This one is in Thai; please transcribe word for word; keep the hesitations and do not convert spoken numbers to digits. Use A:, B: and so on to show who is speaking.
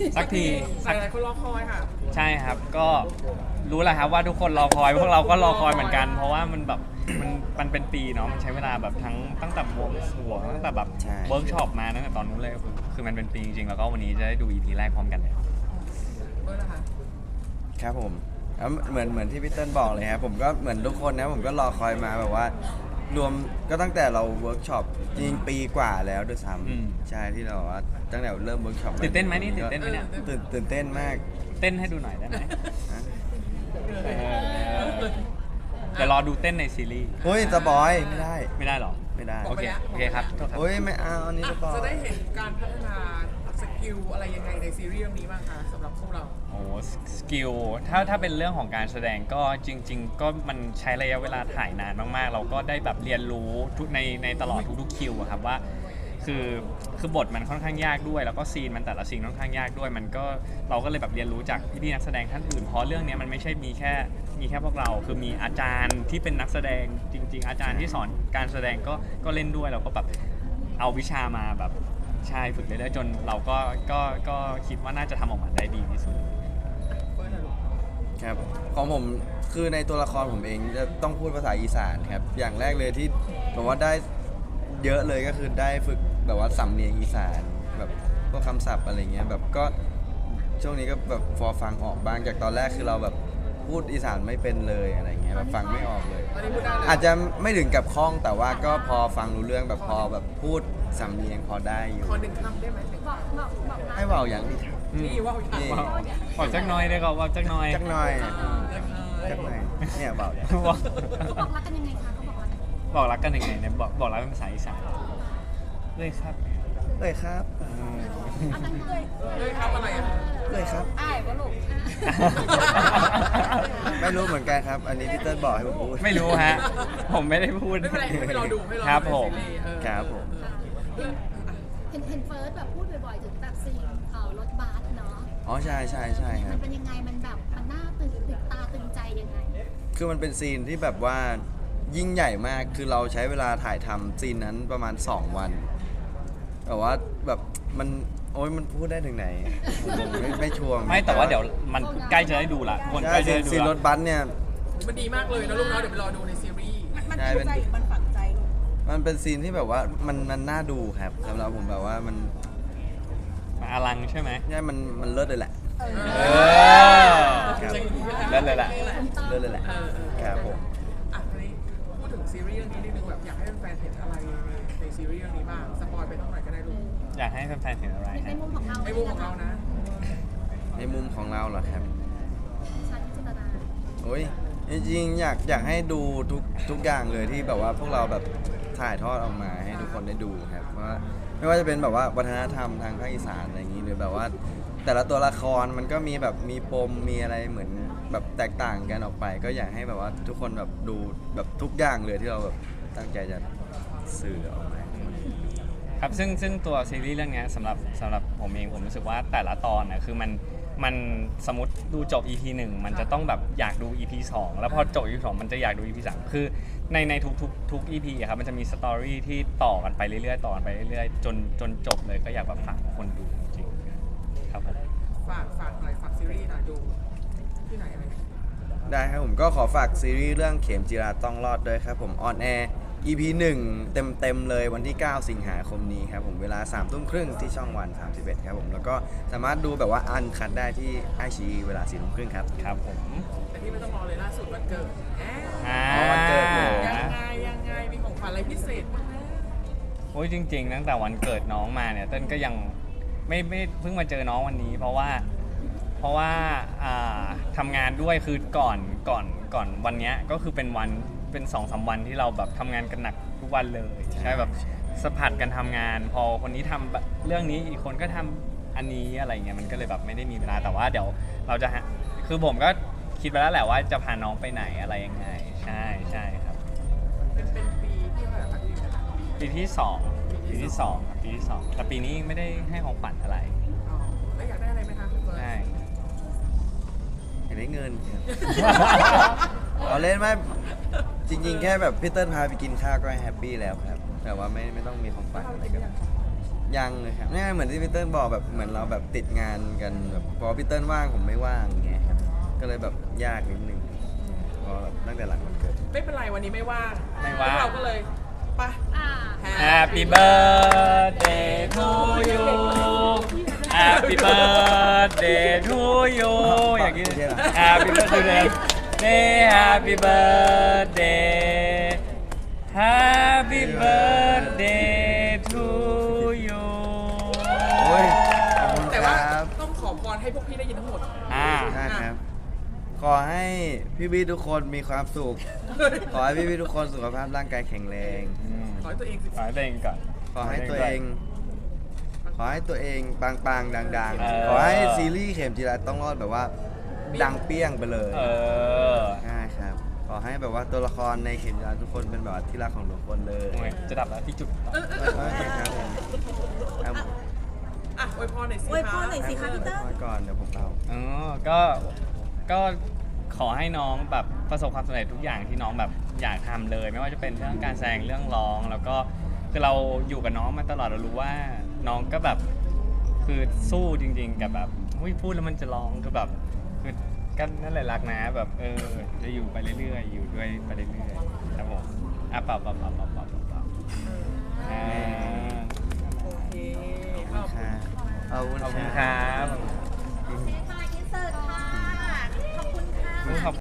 A: สักที
B: หลายๆคนรอคอยค่ะ
A: ใช่ครับก็รู้แหละครับว่าทุกคนรอคอยพวกเราก็รอคอยเหมือนกัน เพราะว่ามันแบบมันมันเป็นปีเนาะมันใช้เวลาแบบทั้งตั้งแต่วงสรวงตั้งแต่แบบ
C: ใช่
A: เวิร์กช็อปมาตั้งแต่ตอนนู้นเลยคือคือมันเป็นปีจริงๆแล้วก็วันนี้จะได้ดู อี พี แรกพร้อมกันเลย
B: เบอร์นะคะ
C: ครับผมแล้วเหมือนเหมือนที่พี่เติ้ลบอกเลยครับผมก็เหมือนทุกคนนะผมก็รอคอยมาแบบว่ารวมก็ตั้งแต่เราเวิร์กช็อปจริงๆปีกว่าแล้วด้วยซ้
A: อืม
C: ำใช่ที่เราว่าตั้งแต่เริ่มเวิร์กช็อป
A: ตื่นเต้นไหมนี่ตื่นเต้นไหมเนี่ย
C: ตื่นตื่นเต้นมาก
A: เต้นให้ดูหน่อยได้ไหม
C: นะ
A: เออเดี๋ยวรอดูเต้นในซีรีส์
C: เฮ้ยสปอยไม่ได้
A: ไม่ได้หรอ
C: ไม่ได้
A: โอเคโอเคครับโทษครับ
C: เฮ้ยไม่เอาอันนี้สปอย
B: จะได้เห็นการพัฒนาสกิลอะไรยังไงในซีรีส์เรื่องนี้บ้างคะสำหรับพวกเรา
A: โอ้สกิลถ้าถ้าเป็นเรื่องของการแสดงก็จริง ๆ ก็มันใช้ระยะเวลาถ่ายนานมากๆ เราก็ได้แบบเรียนรู้ทุกในในตลอดทุกๆคิวอะครับว่าคือคือบทมันค่อนข้างยากด้วย แล้วก็ซีนมันแต่ละซีนค่อนข้างยากด้วย มันก็เราก็เลยแบบเรียนรู้จากพี่ๆนักแสดงท่านอื่นเพราะเรื่องนี้มันไม่ใช่มีแค่มีแค่พวกเรา คือมีอาจารย์ที่เป็นนักแสดงจริง ๆ อาจารย์ที่สอนการแสดงก็ก็เล่นด้วยเราก็แบบเอาวิชามาแบบใช่ฝึกเรื่อยๆจนเราก็ก็ก็คิดว่าน่าจะทำออกมาได้ดีที่สุด
B: เบอร์หน่อยลูก
C: ครับของผมคือในตัวละครผมเองจะต้องพูดภาษาอีสานครับอย่างแรกเลยที่แบบว่าได้เยอะเลยก็คือได้ฝึกแบบว่าสำเนียงอีสานแบบพวกคำศัพท์อะไรเงี้ยแบบก็ช่วงนี้ก็แบบพอฟังออกบ้างจากตอนแรกคือเราแบบพูดอีสานไม่เป็นเลยอะไรเงี้ยแบบฟังไม่ออกเลย
B: ตอนนี้พูดได้เลย
C: อาจจะไม่ถึงกับคล่องแต่ว่าก็พอฟังรู้เรื่องแบบพอแบบพูดสำเนียงพอได้อยู่
B: ขอหนึ่งคำได้ไหมหนึ่ง
D: บอกบอกบอกรัก
C: ให้เบาอย่างดีครับ
B: นี่ว่าอย่าง
C: นี่
A: ว้าวบอกจักหน้อยได้ก็บอกจักหน้อย
C: จักหน่อย
B: เล็กน้อย
C: จักหน่อยเนี่ยเบาเนี่ย
A: บอก
D: เขาบอกรักกันยังไงคะเขาบอกรักกัน
A: บอกรักกันยังไงเนี่ยบอกบอกรักเป็นภาษาอีสานเลยครับ
C: เลยครับ
A: อืม
D: เอาตั้งเลย
B: เลยครับอะไรอ่ะ
C: เลยครับ
D: อ้ายวะลูก
C: ไม่รู้เหมือนกันครับ อันนี้พี่เติ้ลบอกให้ผมพูด
A: ไม่รู้ฮะ ผมไม่ได้พูด
B: ไม่เป็นไรให้ไปรอดูให้รอดู
A: ครับผม
B: ในซีรีส์เออ
C: ครับผม
D: เห็นเห็นเฟิร์สแบบพูดบ่อยๆถึงแบบซีนเอ่อรถบัสเนาะ
C: อ๋อใช่ใช่ใช่ค
D: มั
C: รับ
D: นเป็นยังไงมันแบบมันน่าตื่นตื่นตาตื่นใจยังไง
C: คือมันเป็นซีนที่แบบว่ายิ่งใหญ่มาก คือเราใช้เวลาถ่ายทำซีนนั้นประมาณสองวันแต่ว่าแบบมันโอ้ยมันพูดได้ถึงไหนผมไม่ไม่ชัวร์
A: ไม่แต่ว่าเดี๋ยวมันใกล้จะได้ดูละทุกคนใก
C: ใช่
A: ล้จะ
C: ซีน
A: ได้ดู
C: ซีนร
A: ละ
C: ถบัสเนี่ย
B: มันดีมากเลยนะลูกเนาะเดี๋ยวไปรอดูในซีรีส์
E: มัน
C: ใช่
E: ถู
C: เป็น
E: กใจหรือมันฝังใจลูก
C: มันเป็นซีนที่แบบว่ามันมันน่าดูครับสำหรับผมแบบว่ามัน
A: มาอลังใช่ไหม
C: เนี่ยมันมันเลิศเลยแหละ
E: เออ
A: เออ
C: ครับ
A: เล่นเลยล่ะ
C: เลิศเลยแหละ
B: เออเออ
C: ครับผม
B: อ่ะทีนี้พูดถึงซีรีส์เรื่องนี้นิดนึงแบบอยากให้แฟนๆเห็นอะไรในในซีรีส์เรื่องนี้บ้างสปอยไปเท่าไหร่ก็ได้ลูก
A: อยากให้แฟนๆเห็นอะไร
D: ใน
A: ฮะ
D: มุมของเรา
B: ในมุมของเรานะ
C: ในมุมของเราเหรอครับ
D: ชาติจิตนา
C: โอ้ยจริงๆอยากอยากให้ดูทุกทุกอย่างเลยที่แบบว่าพวกเราแบบถ่ายทอดออกมาให้ทุกคนได้ดูครับว่าไม่ว่าจะเป็นแบบว่าวัฒนธรรมทางภาคอีสานอะไรอย่างนี้หรือแบบว่า แต่ละตัวละครมันก็มีแบบมีปมมีอะไรเหมือนแบบแตกต่างกันออกไป ก็อยากให้แบบว่าทุกคนแบบดูแบบทุกอย่างเลยที่เราแบบตั้งใจจะสื่อออกมา
A: ครับซึ่งซึ่งตัวซีรีส์เรื่องเนี้ยสำหรับสำหรับผมเองผมรู้สึกว่าแต่ละตอนนะคือมันมันสมมติดูจบ อี พี หนึ่งมันจะต้องแบบอยากดู อี พี สองแล้วพอจบ อี พี สองมันจะอยากดู อี พี สามคือในในทุกทุกทุก อี พี อะครับมันจะมีสตอรี่ที่ต่อกันไปเรื่อยๆต่อกันไปเรื่อยๆจนจนจบเลยก็อยากแบบฝากคนดูจริงๆครับผม
B: ฝากฝากหน่อยฝากซีรีส์หน่อยดูที่ไหนอะไรยังไง
C: ได้ครับผมก็ขอฝากซีรีส์เรื่องเข็มจีราต้องรอดด้วยครับผมออนแอร์ อี พี หนึ่งเต็มเต็มๆเลยวันที่ เก้า สิงหาคมนี้ครับผมเวลาสามทุ่มครึ่งที่ช่องวันสามสิบเอ็ดครับผมแล้วก็สามารถดูแบบว่าอันคัดได้ที่ไอชีเวลาสี่ทุ่มครึ่งครับ
A: ครับผม
B: แต่ที่ไม่ต้องรอเลยล่าสุดวันเกิดแหม
A: อ่า
C: อ๋อวันเกิดหนู
B: ยังไงยังไงมีของขวัญอะไรพิเศษบ้างไหม
A: โอ้ยจริงๆตั้งแต่วันเกิดน้องมาเนี่ยเต้นก็ยังไม่ไม่เพิ่งมาเจอน้องวันนี้ เพราะว่าเพราะว่าอ่าทำงานด้วยคือก่อนก่อนก่อนวันเนี้ยก็คือเป็นวันเป็นสองสามวันที่เราแบบทำงานกันหนักทุกวันเลยใช่แบบสะพัดกันทำงาน พอคนนี้ทำแบบเรื่องนี้อีกคนก็ทำอันนี้อะไรเงี้ยมันก็เลยแบบไม่ได้มีเวลาแต่ว่าเดี๋ยวเราจะหาคือผมก็คิดไปแล้วแหละว่าจะพาน้องไปไหนอะไรยังไงใช่ใช่ครับ
B: เป็นเป็นปีที่เท่าไหร่คะที่นะคะ
A: ปีที่สองปีที่สองครับปีที่สองแต่ปีนี้ไม่ได้ให้ของขวัญอะไร
B: อ๋อแล้วอยากได้อะไรไหมคะคุณเฟิร์น
A: ใช่
C: อยากได้เงินครับ เราเล่นไหมจริงๆ แค่แบบพี่เติ้ลพาไปกินข้าวก็แฮปปี้แล้วครับแต่ว่าไม่ไม่ต้องมีของฝันอะไรก็ได้ยังเลยครับนี่เหมือนที่พี่เติ้ลบอกแบบเหมือนเราแบบติดงานกันแบบพอพี่เติ้ลว่างผมไม่ว่างอย่างเงี้ยครับก็เลยแบบยากนิดนึงพอแบบตั้งแต่หลังวันเกิด
B: ไม่เป็นไรวันนี้ไม่ว่าง
A: ไม่ว่าง
B: พวกเราก็เลยไป
D: อ่า
A: Happy birthday to you Happy birthday to you อย่างนี้ Happy birthday Happy birthday Happy birthday to you
C: โอ้ยขอบคุณ
B: แต่
C: ค
B: ว่า
C: รับ
B: ต้องขอพรให้พวกพี่ได้ยินทั้งหมด
A: อ่า
C: ได้ครับ ขอให้พี่พี่ๆทุกคนมีความสุข ขอให้พี่พี่ๆทุกคนสุขภาพร่างกายแข็งแรง
B: ขอให้ตัวเองสิ
A: ขอให้ตัวเองก่อน
C: ขอให้ตัวเอง ขอให้ตัวเองปังๆดัง
A: เออ
C: ๆ ขอให้ซีรีส์เข็มจีราต้องรอดแบบว่า ดังเปี้ยงไปเลย
A: เออ
C: ใช่ครับ ขอให้แบบว่าตัวละครในเข็มจีราทุกคนเป็นแบบว่าที่รักของทุกคนเลย
A: โอ้ยจะดับแล้วที่จุด
C: โอเคครับผมเอา
B: อ่ะอวยพรหน่อยสิ
E: อวยพรหน่อยสิคะพี่เติ้ล
C: ไว้ก่อนเดี๋ยวผมเอา
A: อ๋อก็ก็ขอให้น้องแบบประสบความสำเร็จทุกอย่างที่น้องแบบอยากทำเลย ไม่ว่าจะเป็นเรื่องการแสดงเรื่องร้อง แล้วก็คือเราอยู่กับน้องมาตลอดเรารู้ว่าน้องก็แบบคือสู้จริง ๆ กับแบบอุ้ยพูดแล้วมันจะร้องคือแบบคือก็นั่นแหละรักนะแบบเออจะอยู่ไปเรื่อยๆ อยู่ด้วยไปเรื่อยๆครับผมอ่ะเปล่าเปล่าเปล่าเปล่าเปล่าเปล่าอ่า
B: โอเค
C: ขอบคุณครับขอบคุณ
A: ขอบคุณ
C: ค
A: ค
C: รั
A: รับ บ